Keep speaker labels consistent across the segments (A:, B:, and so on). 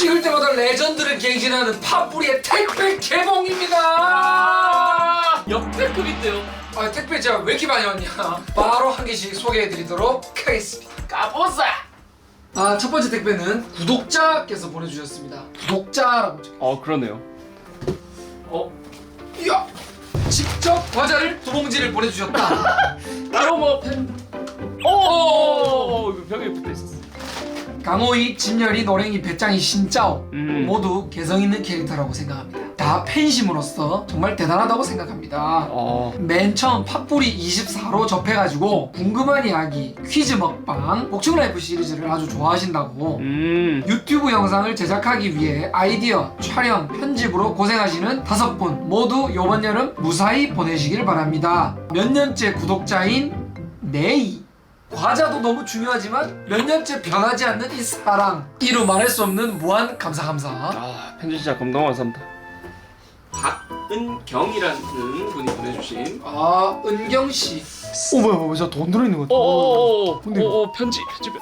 A: 찍을 때마다 레전드를 갱신하는 팥뿌리의 택배 개봉입니다.
B: 역대급인데요.
A: 아, 택배 제가 왜 이렇게 많이 왔냐. 바로 한 개씩 소개해드리도록 하겠습니다.
B: 까보자.
A: 아, 첫 번째 택배는 구독자께서 보내주셨습니다. 구독자라고 적혀.
B: 그러네요.
A: 이야! 직접 과자를 두 봉지를 보내주셨다.
B: 따로 뭐 팬. 이거 벽에 붙어 있었어.
A: 강호이, 진열이, 노랭이, 배짱이, 신짜오 모두 개성있는 캐릭터라고 생각합니다. 다 팬심으로서 정말 대단하다고 생각합니다. 맨 처음 팥뿌리 24로 접해가지고 궁금한 이야기, 퀴즈 먹방, 복층라이프 시리즈를 아주 좋아하신다고 유튜브 영상을 제작하기 위해 아이디어, 촬영, 편집으로 고생하시는 5분 모두 이번 여름 무사히 보내시길 바랍니다. 몇 년째 구독자인 네이. 과자도 너무 중요하지만 몇 년째 변하지 않는 이 사랑, 이루 말할 수 없는 무한 감사.
B: 편지 진짜 감동하겠습니다. 박은경이라는 분이 보내주신.
A: 은경씨.
C: 뭐야 진짜 돈 들어있는 것 같아. 근데
B: 편지.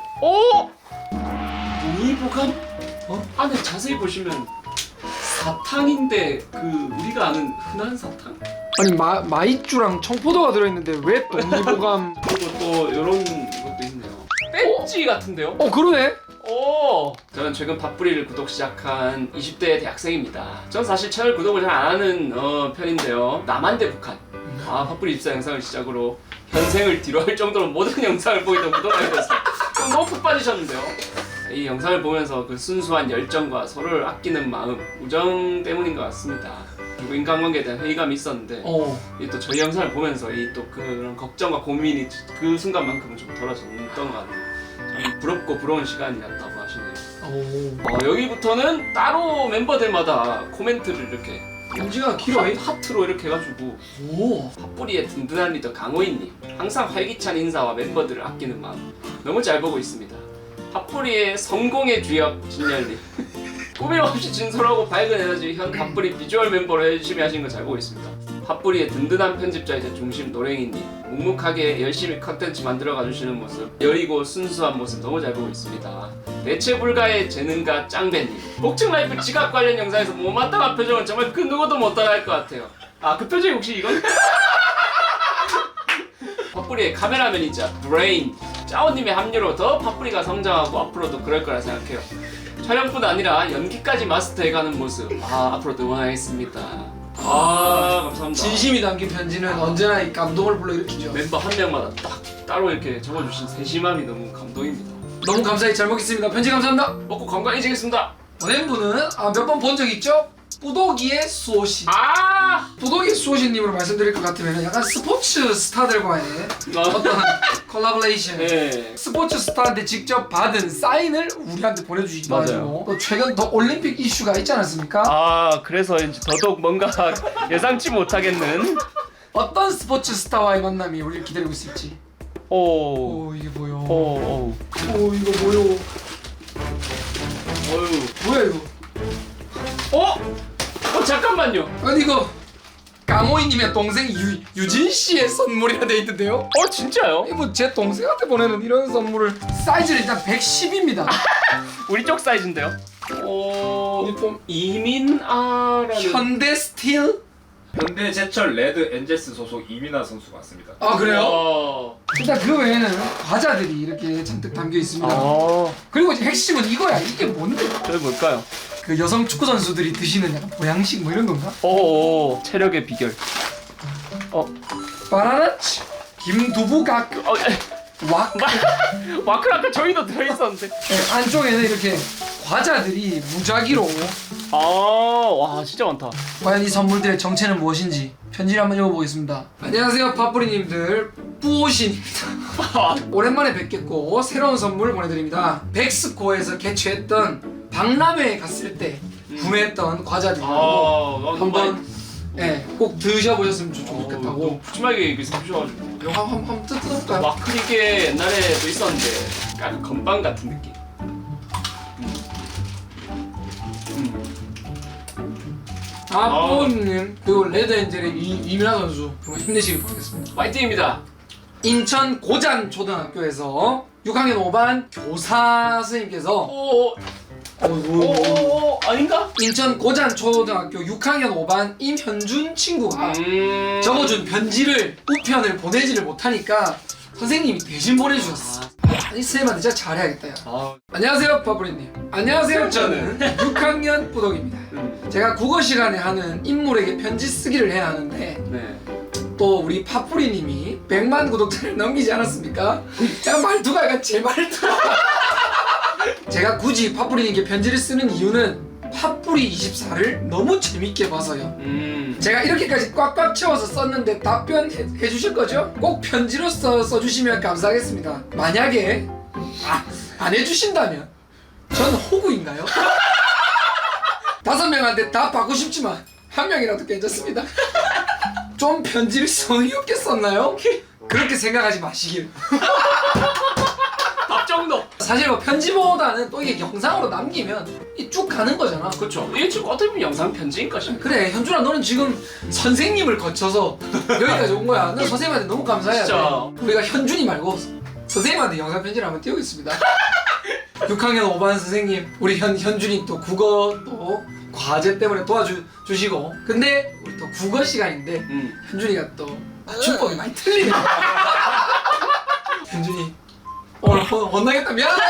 B: 동의보감? 안에 자세히 보시면 사탕인데 우리가 아는 흔한 사탕?
A: 아니 마이쮸랑 청포도가 들어있는데 왜 동의보감?
B: 그리고 또 이런 것도 있네요. 배지 같은데요?
A: 그러네.
B: 저는 최근 팥뿌리를 구독 시작한 20대 대학생입니다. 전 사실 채널 구독을 잘 안 하는 편인데요. 남한 대 북한. 팥뿌리 24 영상을 시작으로 현생을 뒤로 할 정도로 모든 영상을 보이던 구독하게 됐어요. 너무 푹 빠지셨는데요. 이 영상을 보면서 그 순수한 열정과 서로를 아끼는 마음, 우정 때문인 것 같습니다. 그리고 인간관계에 대한 회의감이 있었는데 이 또 저희 영상을 보면서 이 또 그런 걱정과 고민이 그 순간만큼은 좀 덜어졌던 것 같아요. 참 부럽고 부러운 시간이었다고 하시네요. 여기부터는 따로 멤버들마다 코멘트를 이렇게
A: 문제가 길어요.
B: 하트로 이렇게 해가지고 팥뿌리의 든든한 리더 강호인님, 항상 활기찬 인사와 멤버들을 아끼는 마음 너무 잘 보고 있습니다. 팥뿌리의 성공의 주역 진열님, 꾸밈없이 진솔하고 밝은 에너지 현 팥뿌리 비주얼 멤버로 열심히 하신 거 잘 보고 있습니다. 팥뿌리의 든든한 편집자이자 중심 노랭이님, 묵묵하게 열심히 컨텐츠 만들어가 주시는 모습, 여리고 순수한 모습 너무 잘 보고 있습니다. 대체 불가의 재능가 짱배님, 복층라이프 지각 관련 영상에서 못마땅한 표정은 정말 그 누구도 못 따라할 것 같아요. 그 표정이 혹시 이건? 팥뿌리의 카메라맨이자 브레인 짜오님의 합류로 더 팥뿌리가 성장하고 앞으로도 그럴 거라 생각해요. 촬영뿐 아니라 연기까지 마스터해가는 모습 앞으로도 응원하겠습니다. 감사합니다.
A: 진심이 담긴 편지는 언제나 이 감동을 불러일으키죠.
B: 멤버 한 명마다 딱 따로 이렇게 적어주신 세심함이 너무 감동입니다.
A: 너무 감사히 잘 먹겠습니다. 편지 감사합니다.
B: 먹고 건강해지겠습니다.
A: 보낸 분은 몇 번 본 적 있죠? 뿌독이의 수호씨. 뿌독이의 수호씨님으로 말씀드릴 것 같으면 약간 스포츠 스타들과의 어떤 콜라보레이션.
B: 네.
A: 스포츠 스타한테 직접 받은 사인을 우리한테 보내주시기도
B: 맞아요.
A: 하고 또 최근 더 올림픽 이슈가 있지 않았습니까?
B: 그래서 이제 더더욱 뭔가 예상치 못하겠는.
A: 어떤 스포츠 스타와의 만남이 우리를 기다리고 있을지. 이게 뭐요? 이거 뭐요? 뭐야 이거?
B: 잠깐만요.
A: 아니 이거 강호이님의 동생 유진 씨의 선물이라 돼 있는데요?
B: 진짜요?
A: 이거 제 동생한테 보내는 이런 선물을 사이즈는 일단 110입니다.
B: 우리 쪽 사이즈인데요? 이민아라는
A: 현대 스틸?
C: 현대제철 레드 엔젤스 소속 이민아 선수 맞습니다.
A: 그래요? 일단 그 외에는 과자들이 이렇게 잔뜩 담겨 있습니다. 그리고 이제 핵심은 이거야. 이게 뭔데?
B: 저게 뭘까요?
A: 그 여성 축구 선수들이 드시는 약간 보양식 뭐 이런 건가?
B: 체력의 비결.
A: 바나나치, 김두부각,
B: 와클 아까 저희도 들어있었는데.
A: 네, 안쪽에는 이렇게 과자들이 무작위로.
B: 와 진짜 많다.
A: 과연 이 선물들의 정체는 무엇인지 편지를 한번 읽어보겠습니다. 안녕하세요 팥뿌리님들, 뿌오신입니다. 오랜만에 뵙겠고 새로운 선물 보내드립니다. 백스코에서 개최했던 박람회에 갔을 때 구매했던 과자들이라고 한번 꼭 드셔보셨으면 좋겠다고.
B: 푸짐하게 이렇게 주셔가지고
A: 이거 한번 뜯어볼까요?
B: 와클 이게 옛날에도 있었는데 약간 건빵 같은 느낌.
A: 뿌오님 그리고 레드엔젤의 이민아 선수 정말 힘내시길 바라겠습니다.
B: 파이팅입니다.
A: 인천 고잔 초등학교에서 6학년 5반 교사 선생님께서
B: 아닌가?
A: 인천 고잔초등학교 6학년 5반 임현준 친구가 적어준 편지를 우편을 보내지를 못하니까 선생님이 대신 보내주셨어. 이 쌤한테 진짜 잘해야겠다 야. 안녕하세요 파브리님. 안녕하세요 저는 6학년 뿌독입니다. 제가 국어 시간에 하는 인물에게 편지 쓰기를 해야 하는데
B: 네.
A: 또 우리 파뿌리님이 100만 구독자를 넘기지 않았습니까? 약간 말투가 약간 제 말투가 제가 굳이 파뿌리님께 편지를 쓰는 이유는 팥뿌리 24를 너무 재밌게 봐서요. 제가 이렇게까지 꽉꽉 채워서 썼는데 답변해 주실 거죠? 꼭 편지로 써주시면 감사하겠습니다. 만약에 안 해주신다면 전 호구인가요? 5명한테 다 받고 싶지만 1명이라도 괜찮습니다. 좀 편지를 성의 없게 썼나요? 그렇게 생각하지 마시길.
B: 답 정도.
A: 사실 뭐 편지보다는 또 이게 영상으로 남기면 이 쭉 가는 거잖아.
B: 그렇죠. 이게 지금 어떻게 보면 영상 편지인가 싶네.
A: 그래 현준아 너는 지금 선생님을 거쳐서 여기까지 온 거야. 너 선생님한테 너무 감사해야 돼.
B: 진짜.
A: 우리가 현준이 말고 선생님한테 영상 편지를 한번 띄우겠습니다. 6학년 5반 선생님 우리 현준이 또 국어 또 과제 때문에 도와주시고 근데 우리 또 국어 시간인데 현준이가 또 맞춤법이 많이 틀리네. 현준이 오늘 혼나겠다. 미안하다.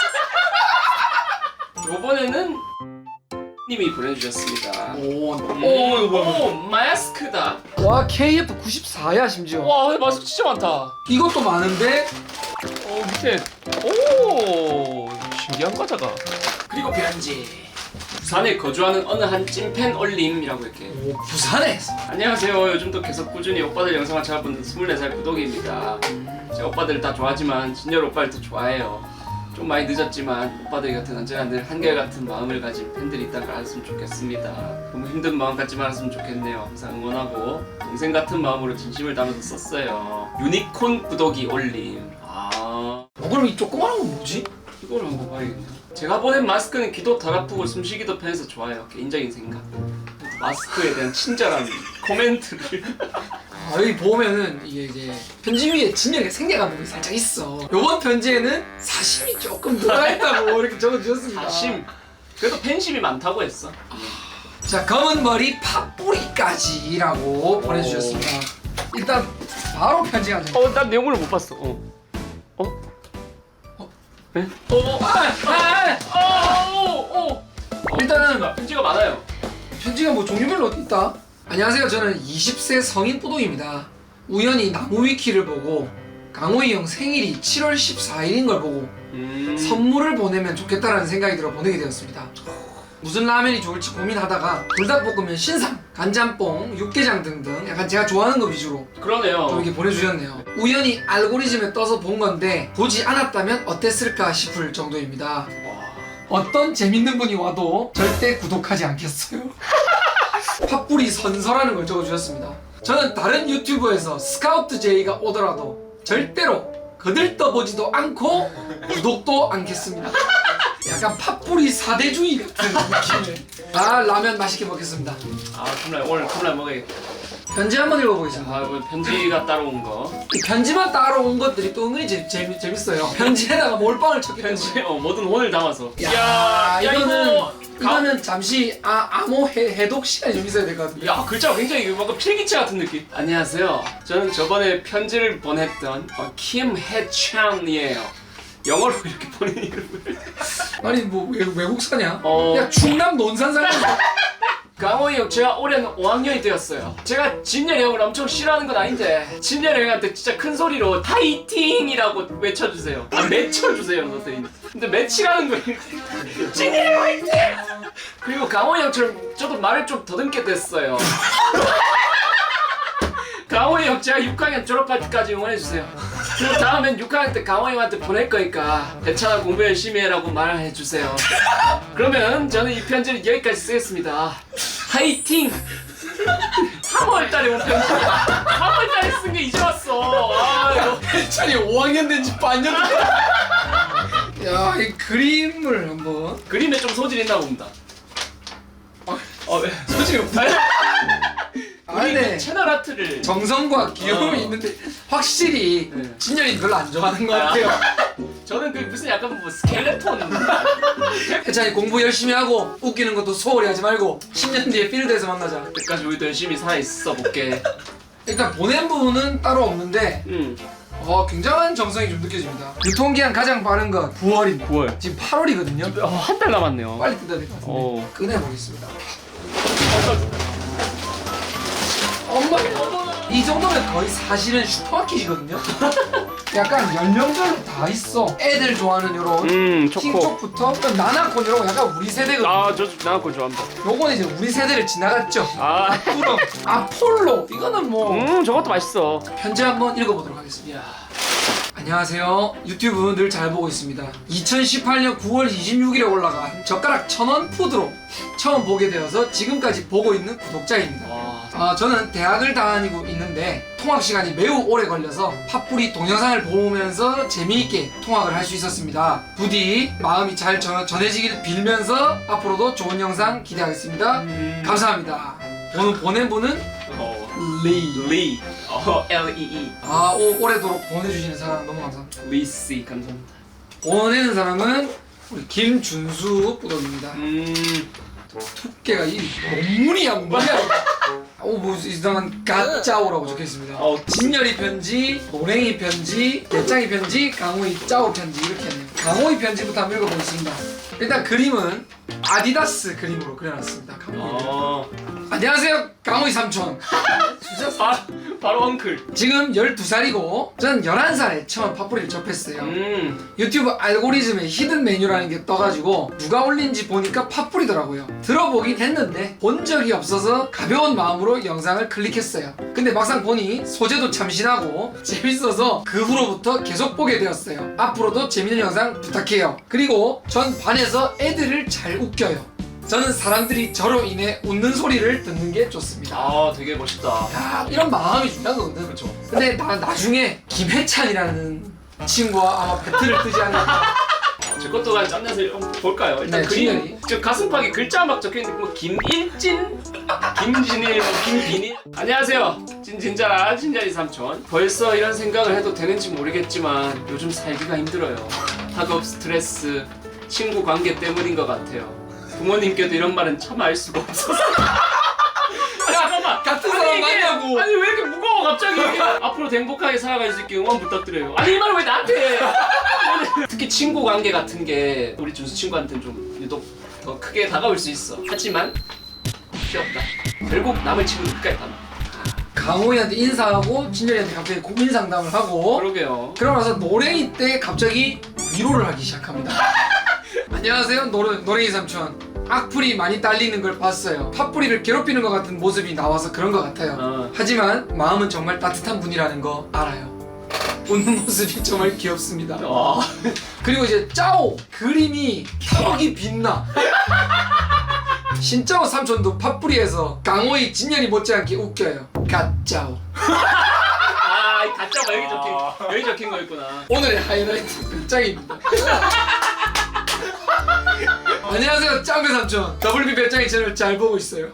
B: 요번에는 님이 보내주셨습니다.
A: 이거 뭐야?
B: 오, 마스크다.
A: 와 KF 94야 심지어.
B: 와, 마스크 진짜 많다.
A: 이것도 많은데
B: 밑에 오, 신기한 과자가. 그리고 편지. 부산에 거주하는 어느 한 찐팬 올림이라고 이렇게.
A: 오 부산에.
B: 안녕하세요. 요즘도 계속 꾸준히 오빠들 영상을 찾아보는 24살 구독입니다. 제 오빠들 다 좋아하지만 진열 오빠를 더 좋아해요. 좀 많이 늦었지만 오빠들 곁은 언제나 늘 한결같은 마음을 가진 팬들이 있다는 걸 알았으면 좋겠습니다. 너무 힘든 마음 갖지 말았으면 좋겠네요. 항상 응원하고 동생 같은 마음으로 진심을 담아서 썼어요. 유니콘 구독이 올림.
A: 그럼 이 조그마한 건 뭐지?
B: 이걸 한번 봐야겠네요. 제가 보낸 마스크는 귀도 덜 아프고 숨쉬기도 편해서 좋아요. 개인적인 생각. 마스크에 대한 친절한 코멘트를.
A: 여기 보면은 이게 이제 편지 위에 진열의 생략한 부분이 살짝 있어. 요번 편지에는 사심이 조금 들어있다고 이렇게 적어주셨습니다.
B: 사심. 그래도 팬심이 많다고 했어.
A: 자 검은 머리 팥뿌리까지라고 보내주셨습니다. 일단 바로 편지가 돼.
B: 난 내용물을 못 봤어. 네?
A: 일단은
B: 편지가 많아요.
A: 편지가 뭐 종류별로 있다. 안녕하세요. 저는 20세 성인 뿌독입니다. 우연히 나무위키를 보고 강호이 형 생일이 7월 14일인 걸 보고 선물을 보내면 좋겠다라는 생각이 들어 보내게 되었습니다. 무슨 라면이 좋을지 고민하다가 불닭볶음면 신상, 간짬뽕, 육개장 등등 약간 제가 좋아하는 거 위주로
B: 그러네요.
A: 좀 이렇게 보내주셨네요. 우연히 알고리즘에 떠서 본 건데 보지 않았다면 어땠을까 싶을 정도입니다. 어떤 재밌는 분이 와도 절대 구독하지 않겠어요. 팥뿌리 선서라는 걸 적어주셨습니다. 저는 다른 유튜브에서 스카우트 제이가 오더라도 절대로 거들떠보지도 않고 구독도 않겠습니다. 약간 팥뿌리 사대주의 같은 느낌의. 라면 맛있게 먹겠습니다.
B: 오늘 컵라면 먹어야겠다.
A: 편지 한번 읽어보겠습니다.
B: 뭐 편지가 따로 온 거.
A: 이 편지만 따로 온 것들이 또 은근히 재밌어요. 편지에다가 몰빵을 쳤기 때문에.
B: 편지 모든 혼을 담아서.
A: 이거는 잠시 암호 해독 시간이 좀 있어야 될 것 같은데.
B: 야, 글자가 굉장히 뭔가 필기체 같은 느낌. 안녕하세요. 저는 저번에 편지를 보냈던 김해찬이에요. 영어로 이렇게 보낸 이름을.
A: 아니 뭐 외국사냐?
B: 어.
A: 야 충남 논산 사람인데.
B: 강호이 형, 제가 올해는 5학년이 되었어요. 제가 진열이 형을 엄청 싫어하는 건 아닌데 진열이 형한테 진짜 큰 소리로 파이팅이라고 외쳐주세요. 맺혀주세요 선생님. 근데 맺히라는 거예요. 진열이 형 화이팅! 그리고 강호이 형처럼 저도 말을 좀 더듬게 됐어요. 강호이 형 제가 6학년 졸업할 때까지 응원해주세요. 그리고 다음엔 6학년 때 강호이 형한테 보낼 거니까 괜찮아 공부 열심히 해라고 말해주세요. 그러면 저는 이 편지를 여기까지 쓰겠습니다. 화이팅! 3월달에 온 편지. 3월달에 쓴 게 이제 왔어. 이거.
A: 해찬이 5학년 된 지 반년 됐다. 야, 이 그림을 한번.
B: 그림에 좀 소질이 있나 봅니다. 왜?
A: 소질이 없다.
B: 우리
A: 네.
B: 그 채널 아트를
A: 정성과 귀여움이
B: 어.
A: 있는데 확실히
B: 네.
A: 진열이 별로 안 좋아하는 것 같아요.
B: 저는 그 무슨 약간 뭐 스켈레톤
A: 해찬이 공부 열심히 하고 웃기는 것도 소홀히 하지 말고 10년 뒤에 필드에서 만나자.
B: 그때까지 우리도 열심히 살아있어 볼게.
A: 일단 보낸 부분은 따로 없는데 굉장한 정성이 좀 느껴집니다. 유통기한 가장 빠른 건 9월입니다.
B: 9월.
A: 지금 8월이거든요.
B: 한 달 남았네요.
A: 빨리 뜯어야 될 것 같은데 꺼내보겠습니다. 엄마 이 정도면 거의 사실은 슈퍼마켓이거든요. 약간 연령별로 다 있어. 애들 좋아하는 요런 킹쪽부터 나나콘 이런 거 약간 우리 세대거든요.
B: 아저 나나콘 좋아합니다.
A: 요거는 이제 우리 세대를 지나갔죠.
B: 아
A: 그럼 아폴로 이거는 뭐
B: 저것도 맛있어.
A: 편지 한번 읽어보도록 하겠습니다. 안녕하세요. 유튜브 늘 잘 보고 있습니다. 2018년 9월 26일에 올라간 젓가락 1000원 푸드로 처음 보게 되어서 지금까지 보고 있는 구독자입니다. 저는 대학을 다니고 있는데 통학 시간이 매우 오래 걸려서 팥뿌리 동영상을 보면서 재미있게 통학을 할 수 있었습니다. 부디 마음이 잘 전해지길 빌면서 앞으로도 좋은 영상 기대하겠습니다. 감사합니다. 오늘 보낸 분은 리.
B: L-E-E.
A: 오래도록 보내주시는 사람 너무 감사합니다.
B: 리씨 감사합니다.
A: 보내는 사람은 우리 김준수 부덕입니다. 두께가 이 논문이야 뭐야? 뭐 이상한 가짜오라고 적혀있습니다. 진열이 편지, 노랭이 편지, 배짱이 편지, 강호이 짜오 편지 이렇게 했네요. 강호이 편지부터 한번 읽어보겠습니다. 일단 그림은 아디다스 그림으로 그려놨습니다. 강호이. 안녕하세요 강호이 삼촌.
B: 바로 엉클.
A: 지금 12살이고 전 11살에 처음 팥뿌리를 접했어요. 유튜브 알고리즘에 히든 메뉴라는 게 떠가지고 누가 올린지 보니까 팥뿌리더라고요. 들어보긴 했는데 본 적이 없어서 가벼운 마음으로 영상을 클릭했어요. 근데 막상 보니 소재도 참신하고 재밌어서 그 후로부터 계속 보게 되었어요. 앞으로도 재밌는 영상 부탁해요. 그리고 전 반에서 애들을 잘 웃겨요. 저는 사람들이 저로 인해 웃는 소리를 듣는 게 좋습니다.
B: 되게 멋있다.
A: 야, 이런 마음이 중요한 거거든.
B: 그렇죠.
A: 근데 나중에 김해찬이라는 친구와 아마 배틀을 뜨지 않을까.
B: 제 것도 그냥 짬내서 한번 볼까요? 일단
A: 네,
B: 그림
A: 진열이.
B: 저 가슴팍에 글자 막 적혀있는데 뭐 김일진, 김진일, 뭐 김빈일. 안녕하세요. 진짜라 진짜리 삼촌. 벌써 이런 생각을 해도 되는지 모르겠지만 요즘 살기가 힘들어요. 학업 스트레스, 친구 관계 때문인 것 같아요. 부모님께도 이런 말은 참 알 수가 없어서. 잠깐만.
A: 같은 사람 맞냐고.
B: 아니 왜 이렇게 무거워 갑자기. 앞으로 행복하게 살아갈 수 있게 응원 부탁드려요. 아니 이 말을 왜 나한테 해. 특히 친구 관계 같은 게 우리 준수 친구한테는 좀 유독 더 크게 다가올 수 있어. 하지만 귀엽다. 결국 남의 친구는 끝까지 다.
A: 강호이한테 인사하고 진열이한테 갑자기 고민 상담을 하고
B: 그러게요.
A: 그러고 나서 노랭이 때 갑자기 위로를 하기 시작합니다. 안녕하세요 노랭이 삼촌. 악플이 많이 딸리는 걸 봤어요. 팥뿌리를 괴롭히는 것 같은 모습이 나와서 그런 것 같아요. 하지만 마음은 정말 따뜻한 분이라는 거 알아요. 웃는 모습이 정말 귀엽습니다. 그리고 이제 짜오 그림이 턱이 빛나. 신짜오 삼촌도 팥뿌리에서 강호이 진열이 못지않게 웃겨요. 갓짜오.
B: 이 가짜가 여기 적힌 거였구나.
A: 오늘의 하이라이트 배짱입니다. 안녕하세요 짱배 삼촌. WB 배짱이 채널 잘 보고 있어요.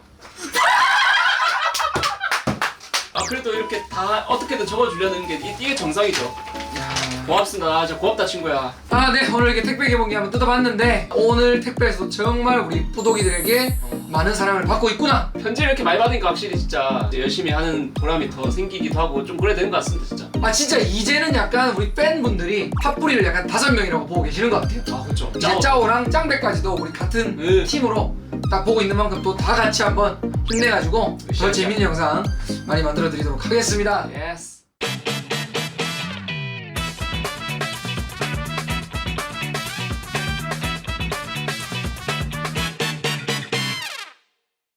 B: 그래도 이렇게 다 어떻게든 적어주려는 게 이게 정상이죠. 고맙습니다. 진짜 고맙다 친구야.
A: 네 오늘 이렇게 택배 개봉기 한번 뜯어봤는데 오늘 택배에서 정말 우리 뿌독이들에게 많은 사랑을 받고 있구나.
B: 편지를 이렇게 많이 받으니까 확실히 진짜 열심히 하는 보람이 더 생기기도 하고 좀 그래 되는 것 같습니다 진짜.
A: 진짜 이제는 약간 우리 팬분들이 팥뿌리를 약간 5명이라고 보고 계시는 것 같아요.
B: 그렇죠.
A: 이제 짜오랑 짱배까지도 우리 같은 팀으로 딱 보고 있는 만큼 또 다 같이 한번 힘내가지고 더 재밌는 영상 많이 만들어 드리도록 하겠습니다.
B: 예스.